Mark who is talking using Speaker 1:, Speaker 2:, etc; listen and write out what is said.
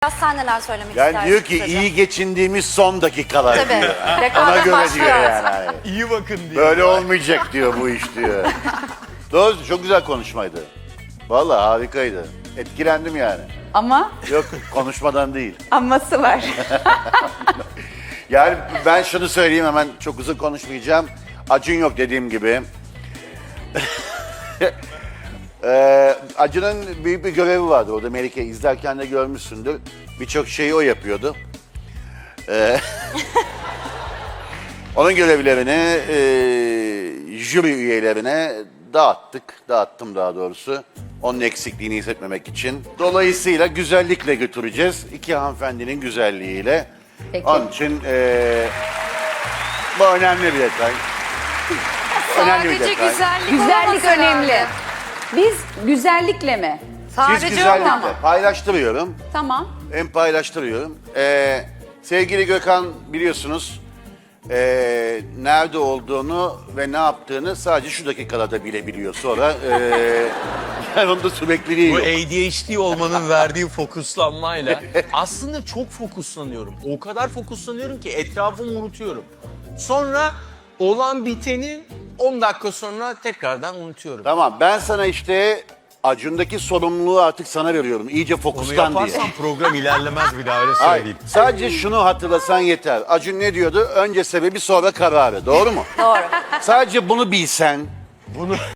Speaker 1: Sen neler söylemek
Speaker 2: Yani
Speaker 1: istersin?
Speaker 2: diyor ki
Speaker 1: kısaca?
Speaker 2: iyi geçindiğimiz son dakikalar
Speaker 1: Tabii.
Speaker 2: diyor. Ona
Speaker 1: Rekabet
Speaker 2: göre
Speaker 1: başlıyor.
Speaker 2: diyor yani.
Speaker 3: İyi bakın diyor.
Speaker 2: Böyle olmayacak diyor bu iş diyor. Doğru, çok güzel konuşmaydı. Vallahi harikaydı. Etkilendim yani.
Speaker 4: Ama
Speaker 2: Yok, konuşmadan değil.
Speaker 4: aması var.
Speaker 2: Yani ben şunu söyleyeyim, hemen çok uzun konuşmayacağım. Acun yok dediğim gibi. Acun'un büyük bir görevi vardı orada, Melike izlerken de görmüşsündür. Birçok şeyi o yapıyordu. Onun görevlerini jüri üyelerine dağıttım daha doğrusu. Onun eksikliğini hissetmemek için. Dolayısıyla güzellikle götüreceğiz. İki hanımefendinin güzelliğiyle.
Speaker 4: Peki.
Speaker 2: Onun için bu önemli bir detay. Önemli bir
Speaker 1: Sadece
Speaker 2: detay.
Speaker 1: güzellik,
Speaker 4: Güzellik
Speaker 1: olamaz
Speaker 4: önemli.
Speaker 1: herhalde.
Speaker 4: Biz güzellikle mi?
Speaker 2: Siz
Speaker 1: Sadece
Speaker 2: güzellikle
Speaker 1: ama.
Speaker 2: paylaştırıyorum.
Speaker 4: Tamam.
Speaker 2: Hem paylaştırıyorum. Sevgili Gökhan biliyorsunuz nerede olduğunu ve ne yaptığını sadece şu dakikalarda bilebiliyor. Sonra yani onda sürekliliği
Speaker 3: Bu
Speaker 2: yok.
Speaker 3: ADHD olmanın verdiği fokuslanmayla aslında çok fokuslanıyorum. O kadar fokuslanıyorum ki etrafımı unutuyorum. Sonra olan biteni 10 dakika sonra tekrardan unutuyorum.
Speaker 2: Tamam, ben sana işte Acun'daki sorumluluğu artık sana veriyorum. İyice
Speaker 3: Onu
Speaker 2: fokuslan diye.
Speaker 3: yaparsan program ilerlemez, bir daha öyle
Speaker 2: Hayır,
Speaker 3: söyleyeyim.
Speaker 2: sadece şunu hatırlasan yeter. Acun ne diyordu? Önce sebebi sonra kararı. Doğru mu?
Speaker 1: Doğru.
Speaker 2: Sadece bunu bilsen.
Speaker 3: Bunu